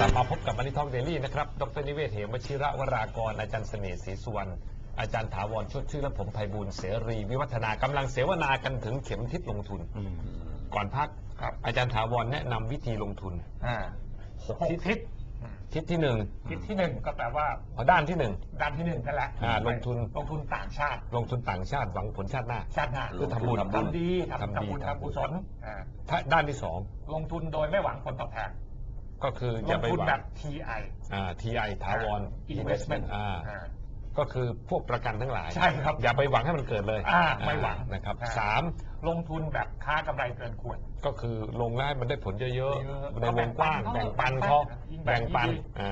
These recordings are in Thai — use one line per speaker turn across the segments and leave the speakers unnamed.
บมาพบกับมันนี่ทองเดลี่นะครับดร.นิเวศ เหมวชิระวรากรอาจารย์เสน่ห์ศรีสุวรรณอาจารย์ถาวรชดชื่อและผมไพบูลย์เสรีวิวัฒนากำลังเสวนากันถึงเข็มทิศลงทุนก่อนพักอาจารย์ถาวรแนะนำวิธีลงทุน6 ทิศทิศที่1
ก็แปลว่า
ด้านที่1
นั่นแหละ
ลงทุน
ต่างชาติ
หวังผลชาติหน้าคือทำบุญ
ทำดีทำกุศล
ด้านที่
2ลงทุนโดยไม่หวังผลตอบแทน
ก็คืออย่าไปหวัง
แบบ TI
ถาวร
Investment
ก็คือพวกประกันทั้งหลาย
ใช่ครับ
อย่าไปหวังให้มันเกิดเลย
ไม่หวัง
นะครับ
3ลงทุนแบบค้ากำไรเกินควร
ก็คือลงแล้วมันได้ผลเยอะๆในวงกว้างแบ่งปันเขาแบ่งปัน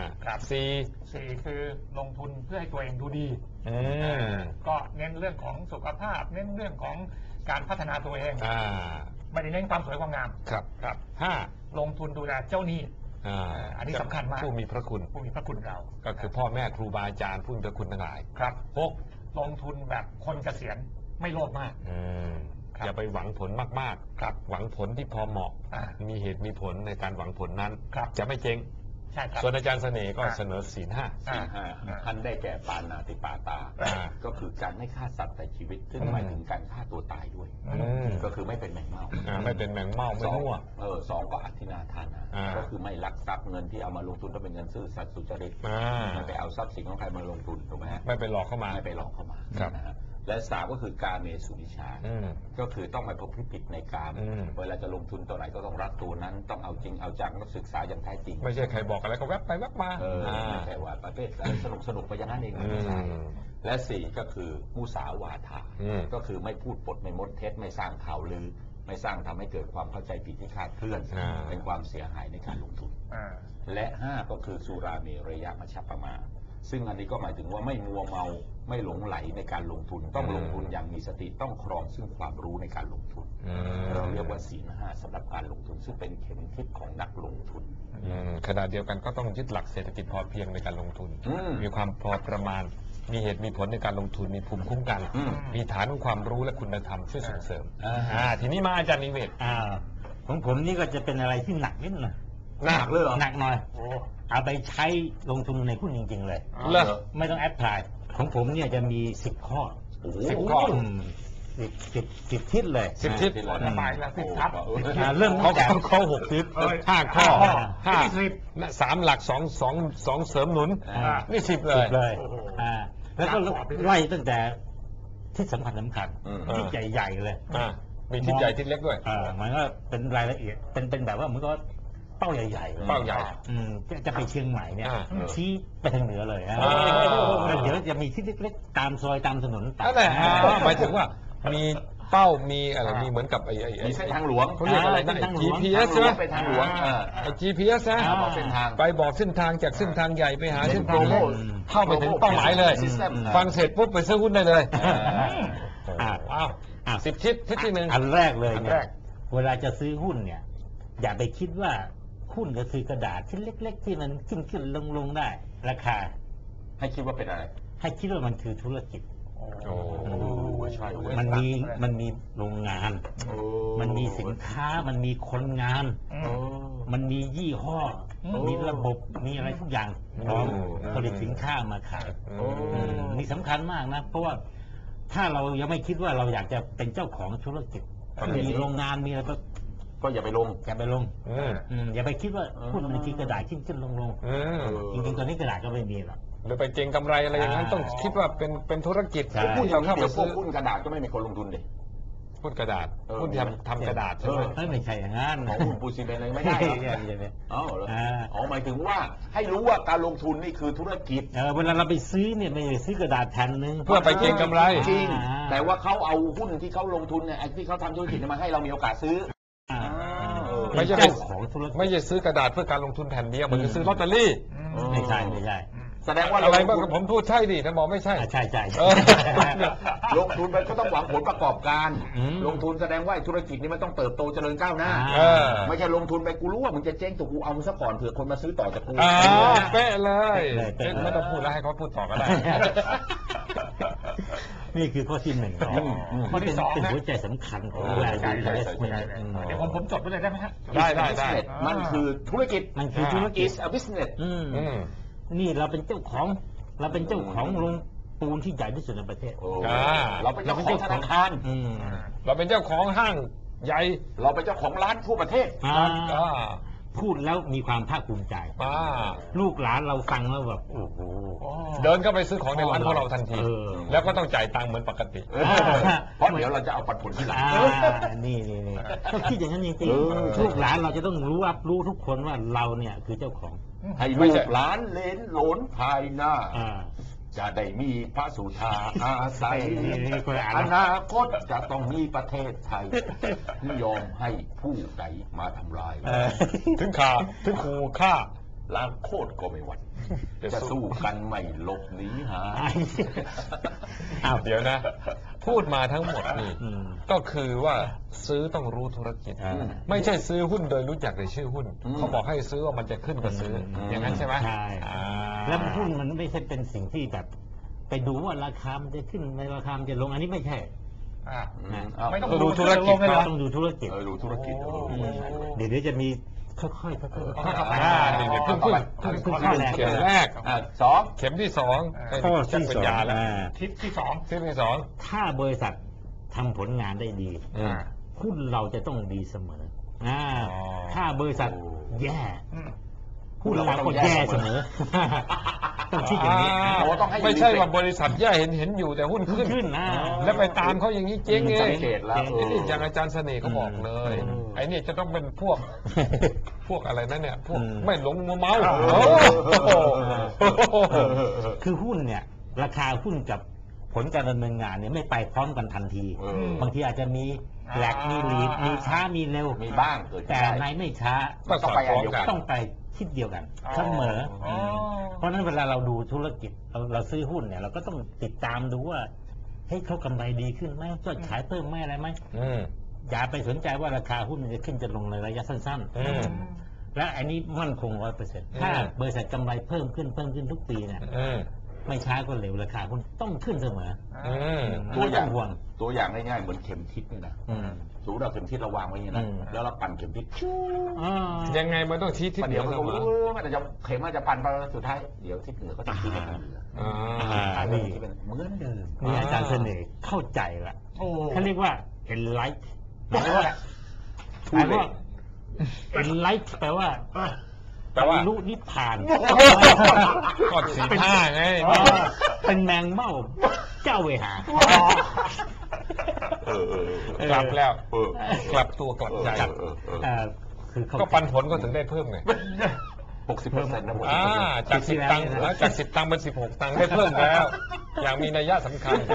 4คือลงทุนเพื่อให้ตัวเองดูดีก็เน้นเรื่องของสุขภาพเน้นเรื่องของการพัฒนาตัวเองไม่ได้เน้นความสวยความงาม
ครับ
5ลงทุนดูแลเจ้าหนี้อันนี้สำคัญมาก
ผู้มีพระคุณ
เรา
ก็คือพ่อแม่ครูบาอาจารย์ผู้มีพระคุณทั้งหลาย
ครับ6ลงทุนแบบคนเกษียณไม่โลภมาก
อย่าไปหวังผลมากๆหวังผลที่พอเหมาะมีเหตุมีผลในการหวังผลนั้นจะไม่เจ๊งส่วนอาจารย์เสน่ห์ก็เสนอศีล 5
ท่านได้แก่ปานาติปาตาก็คือการไม่ฆ่าสัตว์แต่ชีวิตซึ่งหมายถึงการฆ่าตัวตายด้วยก็คือไม่เป็นแมงเม่า
ไม่เป็นแมงเม่าไม่มั่ว
2ก็อธินาทานะก็คือไม่ลักทรัพย์เงินที่เอามาลงทุนต้องเป็นเงินซื่อสัตย์สุจริตไม่ไปเอาทรัพย์สินของใครมาลงทุนถูกไหม
ไม่ไปหลอกเข้ามา
และ3ก็คือการเมสุนิชาก็คือต้องไม่ประพฤติผิดในการเวลาจะลงทุนตัวไหนก็ต้องรักตัวนั้นต้องเอาจริงเอาจังต้องศึกษาอย่างแท้จริง
ไม่ใช่ใครบอกอะไรก็แวบไปแวบมา
ไม่ใช่ว่าประเภทสนุกไปอย่างนั้นเองไม่ใช่และ4ก็คือมุสาวาทาก็คือไม่พูดปดไม่มดเท็จไม่สร้างข่าวลือไม่สร้างทำให้เกิดความเข้าใจผิดที่คลาดเคลื่อนเป็นความเสียหายในการลงทุนและ5ก็คือสุราเมรยมัชฌัปปมาซึ่งอันนี้ก็หมายถึงว่าไม่มัวเมาไม่หลงไหลในการลงทุนต้องลงทุนอย่างมีสติต้องครองซึ่งความรู้ในการลงทุนเราเรียกว่าศีล 5สำหรับการลงทุนซึ่งเป็นเข็มทิศของนักลงทุน
ขณะเดียวกันก็ต้องยึดหลักเศรษฐกิจพอเพียงในการลงทุนมีความพอประมาณมีเหตุมีผลในการลงทุนมีภูมิคุ้มกันมีฐานของความรู้และคุณธรรมช่วยส่งเสริมทีนี้มาอาจารย์นิเวศ
ของผมนี่ก็จะเป็นอะไรที่หนักนิดหน่อย
หนักเลย
หนักหน่อยเอาไปใช้ลงทุนในหุ้นจริงๆเลยไม่ต้องแอดพลายของผมเนี่ยจะมี10 ข้อ
10 ข้อ
10 ทิศเลย
10 ทิศ
หมายละ10 ทับ
เริ่มจากข้อ6 ทิศ
5 ข้อ3 หลัก2เสริมหนุนนี่10 เลย
แล้วก็ไล่ตั้งแต่ทิศสำคัญทิศใหญ่ๆเลย
มีทิศใหญ่ทิศเล็กด้วย
มันก็เป็นรายละเอียดเป็นแบบว่ามันก็เป้าใหญ่
ๆเป้าใหญ่
จะไปเชียงใหม่เนี่ยชี้ไปทางเหนือเลยแล้วเดี๋ยวจะมีที่เล็กๆตามซอยตามถนน
นั่นแหละหมายถึงว่ามีเป้ามีอะไรมีเหมือนกับไอ้
เส้นทางหลวง
เขาเรียกอะไรนะ GPS ใช่ไหม
ไปทางหลวง
ไอ้ GPS นะไปบอกเส้นทางจากเส้นทางใหญ่ไปหาเส้นทางเข้าไปถึงเป้าหมายเลยฟังเสร็จปุ๊บไปซื้อหุ้นได้เลย10 ทิศที่1
อันแรกเลยเนี่ยเวลาจะซื้อหุ้นเนี่ยอย่าไปคิดว่าหุ้นก็คือกระดาษชิ้นเล็กๆที่มันขึ้นลงได้ราคา
ให้คิดว่าเป็นอะไร
ให้คิดว่ามันคือธุรกิจ
ใช่
มันมีโรงงานมันมีสินค้ามันมีคนงานมันมียี่ห้อมีระบบมีอะไรทุกอย่างพร้อมผลิตสินค้ามาขายนี่สำคัญมากนะเพราะว่าถ้าเรายังไม่คิดว่าเราอยากจะเป็นเจ้าของธุรกิจมีโรงงานมีอะไร
ก็อย่าไปลง
อย่าไปคิดว่าหุ้นมันคือกระดาษขึ้นลงจริงๆตอนนี้กระดาษก็ไม่มีหรอก
หรือไปเก็งกำไรอะไรอย่างนั้นต้องคิดว่าเป็นธุรกิจ
หุ้นอย่างนี้เดี๋ยวพวกหุ้นกระดาษก็ไม่มีคนลงทุนเลย
หุ้นกระดาษหุ้นทำกระดาษใช่ไหม
ไม่ใช่อย่างนั้น
ของหุ้นปูซีเมนต์อะไรไม่ได้หมายถึงว่าให้รู้ว่าการลงทุนนี่คือธุรกิจ
เวลาเราไปซื้อเนี่ยไม่ได้ซื้อกระดาษแผ่นนึง
เพื่อไปเก็งกำไร
จริงแต่ว่าเขาเอาหุ้นที่เขาลงทุนเนี่ยที่เขาทำธุรกิจมาให้เรามีโอกาสซื้อ
ไม่ใช่ไม่ใช่ซื้อกระดาษเพื่อการลงทุนแผ่นเดียวมันจะซื้อลอตเตอรี่
ไม่ใช่
แสดงว่า
อะไรบ้างผมพูดใช่ดิท่านบอกไม่ใช่
ใช่
ลงทุนไปก็ต้องหวังผลประกอบการลงทุนแสดงว่าธุรกิจนี้มันต้องเติบโตเจริญก้าวหน้าไม่ใช่ลงทุนไปกูรู้ว่ามึงจะเจ๊งถูกกูเอามึงซะก่อนเผื่อคนมาซื้อต่อจากกู
เป๊ะเลยไม่ต้องพูดแล้วให้เขาพูดต่อก็ได้
นี่คือข้อที่หนึ่ง
ข้อที่สอง
เป็น
นะ
หัวใจสำคัญของ
ใช่
แรง
ใช่
อิน
ใช่
เวส
ใช่
เมน
เดี๋ยวผมจดไว้เลยได้ไหมฮะ
ได้
มันคือธุรกิจ
มันคือธุรกิจ
is a business
นี่เราเป็นเจ้าของโรงปูนที่ใหญ่ที่สุดในประเทศ
โอ้เราเป็นเจ้าของธนาคาร
เราเป็นเจ้าของห้างใหญ่
เราเป็นเจ้าของร้านทั่วประเทศ
พูดแล้วมีความภาคภูมิใจ ลูกหลานเราฟังแล้วแบบโอ้โห
เดินเข้าไปซื้อของในร้านของเราทันที แล้วก็ต้องจ่ายตังค์เหมือนปกติ
เพราะเดี๋ยวเราจะเอาปันผลที่หลัง
นี่ก็คิดอย่างนั้นจริงๆลูกหลานเราจะต้องรับรู้ทุกคนว่าเราเนี่ยคือเจ้าของ
ให้ลูกหลานเลนหลนภายหน้า จะได้มีพระสุธาอาศัยอนาคตจะต้องมีประเทศไทยที่ยอมให้ผู้ใดมาทำลาย
ถึงขู่ฆ่า
ล้างโคตรก็ไม่หวั่นจะสู้กันไม่หลบหนีหา
เดี๋ยวนะ พูดมาทั้งหมดนี่ก็คือว่าซื้อต้องรู้ธุรกิจ ไม่ใช่ซื้อหุ้นโดยรู้จักแต่ชื่อหุ้น เขาบอกให้ซื้อว่ามันจะขึ้นก็ซื้ออย่างนั้นใช่ไหม
ใช่แล้วหุ้นมันไม่ใช่เป็นสิ่งที่แบบไปดูว่าราคามันจะขึ้นในราคามันจะลงอันนี้ไม่ใช่
ไม่ต้อง
ดูธุรกิจ
ต้องดูธุรกิจ
ดูธุรกิจ
เดี๋ยวจะมีค่อยๆ
เพิ่งเข็มแรก
สอง
เข็มที่สอง
ข้อที่สอง
ทิศที่สอง
ถ้าบริษัททำผลงานได้ดีหุ้นเราจะต้องดีเสมอถ้าบริษัทแย่หุ้นเราก็แย่เสมอต้องคิดอย่างนี้
ไม่ใช่ว่าบริษัทแย่เห็นอยู่แต่หุ้นขึ้นแล้วไปตามเขาอย่างนี้เจ๊งเองนี่อย่างอาจารย์เสน่ห์เขาบอกเลยไอ้นี่จะต้องเป็นพวกอะไรนั่นเนี่ยพวกไม่หลงมัวเมา
คือหุ้นเนี่ยราคาหุ้นกับผลการดำเนินงานเนี่ยไม่ไปพร้อมกันทันทีบางทีอาจจะมีแหลกมีลีดมีช้ามีเร็ว
มีบ้าง
แต่ในไม่ช้า
ต้องไป
ต้องไปทิศเดียวกันเสมอเพราะนั้นเวลาเราดูธุรกิจเราซื้อหุ้นเนี่ยเราก็ต้องติดตามดูว่าเฮ้ยเขากำไรดีขึ้นไหมยอดขายเพิ่มไหมอะไรไหมอย่าไปสนใจว่าราคาหุ้นมันจะขึ้นจะลงในระยะสั้นๆและอันนี้มั่นคง 100%ถ้าบริษัทกำไรเพิ่มขึ้นทุกปีเนี่ยไม่ช้าก็เร็วราคาหุ้นต้องขึ้นเสมอ
ตัวอย่างง่ายๆเหมือนเข็มทิศนี่นะสูเราเข็มทิศเราวางไว้อย่างนี้นะแล้วเราปั่นเข็มทิศ
ยังไงมันต้องชี้ทิศเหนื
เดี๋ย
อ
วมัน
เส
ก็
มอ
มันจะเข็มมันจะปั่นไปสุดท้ายเดี๋ยวทิศเหนือก็จะชี้ไปทางเหนือ
นี่
เหมือนเดิม
นี่อาจารย์เสน่ห์เข้าใจละเขาเรียกว่า enlight แปลว่า enlight แปลว่าลุนิพพาน
ก็สีผ้าไง
เป็นแมงเม่าเจ้าเวหาก
ลับแล้วกลับตัวกลับใจก็ปันผลก็ถึงได้เพิ่มไง
60%นะผม
จาก10 ตังค์จาก10 ตังค์เป็น16 ตังค์ได้เพิ่มแล้วอย่างมีนัยสำคัญ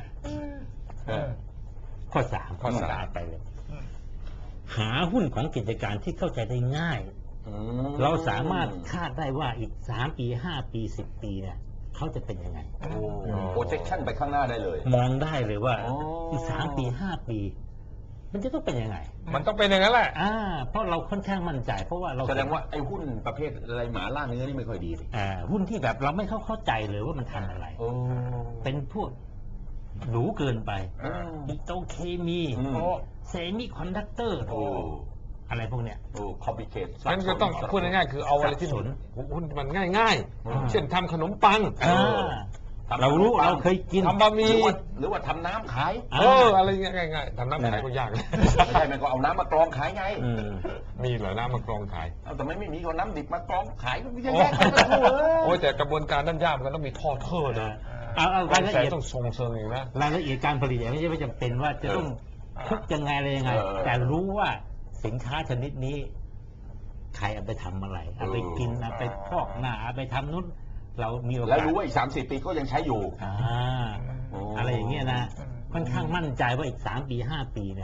ข้อ3ไปเลยหาหุ้นของกิจการที่เข้าใจได้ง่ายเราสามารถคาดได้ว่าอีก3 ปี5 ปี10 ปีเนี่ยเขาจะเป็นยังไง
projection ไปข้างหน้าได้เลย
มองได้เลยว่าอีก3 ปี5 ปีมันจะต้องเป็นยังไง
มันต้องเป็นอย่างนั้นแหละ
เพราะเราค่อนข้างมั่นใจเพราะว่าเรา
แสดงว่าไอ้หุ้นประเภทอะไรหมาล่าเนื้อนี่ไม่ค่อยดีสิ
หุ้นที่แบบเราไม่เข้าใจเลยว่ามันทำอะไรเป็นพวกหรูเกินไปปิโตรเคมีเซมิคอนดักเตอร์อะไรพวกเนี้ย
คอมพิเคท
งั้นก็ต้องพูดง่ายๆคือเอาอะไรที่หุ้นมันง่ายๆเช่นทำขนมปัง
เรารู้เราเคยกิน
ทำบะหมี่
หรือว่าทำน้ำขาย
อะไรง่ายๆทำน้ำขายก็ยาก
ไม่ใช่มันก็เอาน้ำมากรองขายไง
มีเหรอน้ำมากรองขาย
แต่ไม่มีก็น้ำดิบมากรองขายก็ไม่ใช่แยกกัน
โอ้ยแต่กระบวนการนั้นยากมันต้องมีท่อเทอร์นะ
รายละเอียด
ต้องทรงเชิงอย่างนะ
รายละเอียดการผลิตไม่ใช่ไม่จำเป็นว่าจะต้องคุกยังไงอะไรยังไงแต่รู้ว่าสินค้าชนิดนี้ใครเอาไปทำอะไรเอาไปกินเอาไปพอกหน้าเอาไปทำนู้นเรามีโอกาส
แล้วรู้ว่าอีก30 ปีก็ยังใช้อยู่
อะไรอย่างเงี้ยนะค่อนข้างมั่นใจว่าอีก3 ปี5 ปีเนี่ย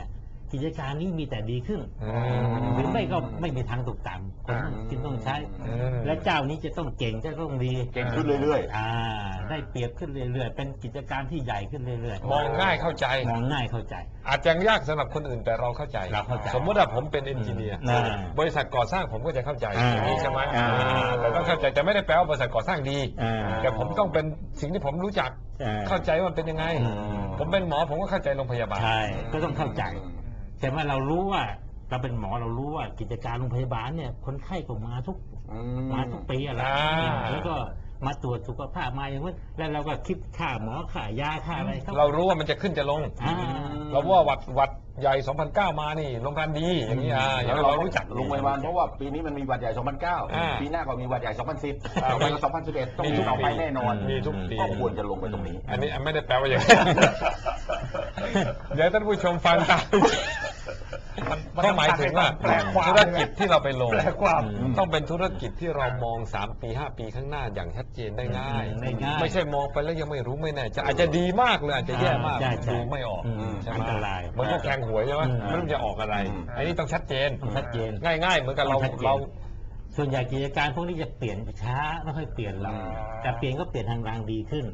กิจการนี้มีแต่ดีขึ้นหรือไม่ก็ไม่มีทางตกต่ำคนต้องกินต้องใช้ และเจ้านี้จะต้องเก่งจะต้องดี
เก่งขึ้นเรื่อย
ๆได้เปรียบขึ้นเรื่อยๆเป็นกิจการที่ใหญ่ขึ้นเรื่อยๆ
มองง่ายเข้าใจ
มองง่ายเข้าใจ
อาจจะยากสำหรับคนอื่นแต่เราเข้าใจ สมมติว่าผมเป็นเอนจิเนียร์บริษัทก่อสร้างผมก็จะเข้าใจอย่างนี้ใช่ไหมแต่ต้องเข้าใจแต่ไม่ได้แปลว่าบริษัทก่อสร้างดีแต่ผมต้องเป็นสิ่งที่ผมรู้จักเข้าใจว่ามันเป็นยังไงผมเป็นหมอผมก็เข้าใจโรงพยาบาล
ใช่ก็ต้องเข้าใจแต่ว่าเรารู้ว่าเราเป็นหมอเรารู้ว่ากิจการโรงพยาบาลเนี่ยคนไข้ก็มาทุกปีอะไรแล้วก็มาตรวจสุขภาพมาอย่างนั้นแล้วเราก็คิดค่าหมอค่ายาค่าอะไร
เรารู้ว่ามันจะขึ้นจะลงเราว่าหวัดใหญ่2009มานี่โรงพยาบาลดีอย่างนี้อย่างเรารู้จัก
โรงพยาบาลเพราะว่าปีนี้มันมีหวัดใหญ่2009ปีหน้าก็มีหวัดใหญ่2010ปี2011ต้องมีต่อไปแน่นอน
มีทุกปี
ก็ควรจะลงไปตรงนี้
อันนี้ไม่ได้แปลว่าอย่างนี้เดี๋ยวท่านผู้ชมฟังตามก็หมายถึงว่าธุรกิจที่เราไปลงต้องเป็นธุรกิจที่เรามอง3 ปี 5 ปีข้างหน้าอย่างชัดเจนได้ง่ายไม่ใช่มองไปแล้วยังไม่รู้ไม่แน่จะอาจจะดีมากเลยอาจจะแย่มากดูไม่ออกใช่ไหมมันก็แข่งหวยใช่ไหมไม่รู้จะออกอะไรอันนี้ต้องชัดเจนง่ายๆเหมือนกับเรา
ส่วนใหญ่กิจการพวกนี้จะเปลี่ยนช้าไม่ค่อยเปลี่ยนหรอกแต่เปลี่ยนก็เปลี่ยนทางรางดีขึ้น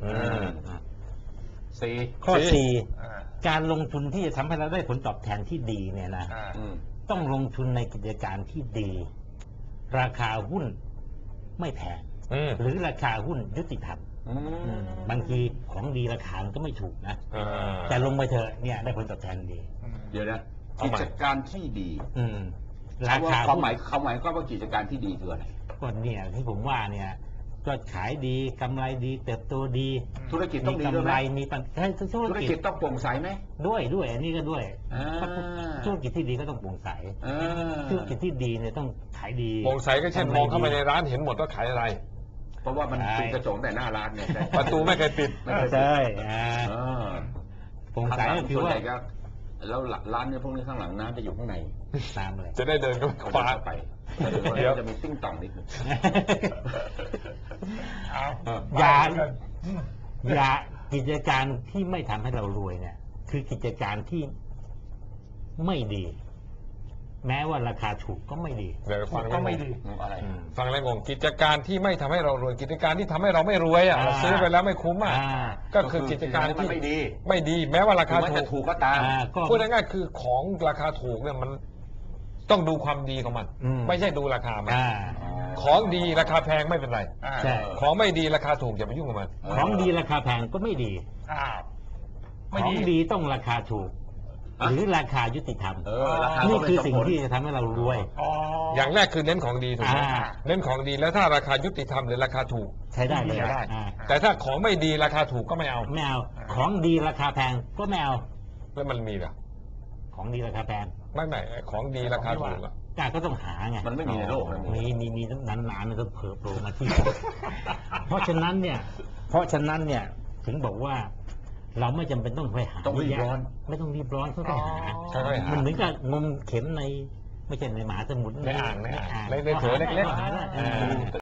ข้อ 4การลงทุนที่จะทำให้เราได้ผลตอบแทนที่ดีเนี่ยนะต้องลงทุนในกิจการที่ดี ราคาหุ้นไม่แพงหรือราคาหุ้นยุติธรรมบางทีของดีราคาก็ไม่ถูกนะแต่ลงไปเถอะเนี่ยได้ผลตอบแทนดี
เดี๋ยวนะกิจการที่ดี
ราคา
ความหมายก็ว่ากิจการที่ดีคืออะไร
ก็เนี่ยที่ผมว่าเนี่ยก็ขายดีกำไรดีเติบโตดี
ธุรกิจต้องดีด้วย
ไหมมีปัญหา
ธุรกิจต้องโปร่งใสไหม
ด้วยอันนี้ก็ด้วยธุรกิจที่ดีก็ต้องโปร่งใสธุรกิจที่ดีเนี่ยต้องขายดี
โปร่งใสก็เช่นมองเข้าไปในร้านเห็นหมดว่าขายอะไร
เพราะว่ามันปิดกระจกแต่หน้าร้านเนี่ย
ประตูไม่เคยปิด
ใช่โปร่งใสก็คือว่า
แล้วร้านเนี่ยพวกนี้ข้างหลังน้ำจะอยู่ข้างใน
น้ำเลย
จะได้เดินก็คว้า
ไปเดี๋ยวจะมีติ้งต่องนิดนึง
อย่ากิจการที่ไม่ทำให้เรารวยเนี่ยคือกิจการที่ไม่ดีแม้ว่าราคาถูกก็ไม่ดี
ฟัง
ก็ไม่ดี
อะไร
ฟังแล้วงงกิจการที่ไม่ทำให้เรารวยกิจการที่ทำให้เราไม่รวยเราซื้อไปแล้วไม่คุ้มก็คือกิจการที่ไม่ดีแม้ว่าราคา
ถูกก็ตาม
พูดง่ายๆคือของราคาถูกเนี่ยมันต้องดูความดีของมันไม่ใช่ดูราคามันของดีราคาแพงไม่เป็นไรของไม่ดีราคาถูกอย่าไปยุ่งกับมัน
ของดีราคาแพงก็ไม่ดีของดีต้องราคาถูกหรือราคายุติธรรมนี่คือสิ่งที่จะทำให้เรารวย
อย่างแรกคือเน้นของดีถูกไหมเน้นของดีแล้วถ้าราคายุติธรรมหรือราคาถูก
ใช้ได้เลย
แต่ถ้าของไม่ดีราคาถูกก็ไม่เอา
ของดีราคาแพงก็ไม่เอา
แล้วมันมีเหรอ
ของดีราคาแพง
ไม่ของดีราคาถูก
ก็ต้องหาไง
มันไม่มีในโลก
มีนานๆมันก็เผลอโผล่มาที่เพราะฉะนั้นเนี่ยถึงบอกว่าเราไม่จำเป็นต้องไปหา
ต้องรีบร้อน
ไม่ต้องรีบร้อนเขาไปหามันเหมือนกับงมเข็มในไม่ใช่ในมหาสมุทร
ในอ่างในโถเล็กๆ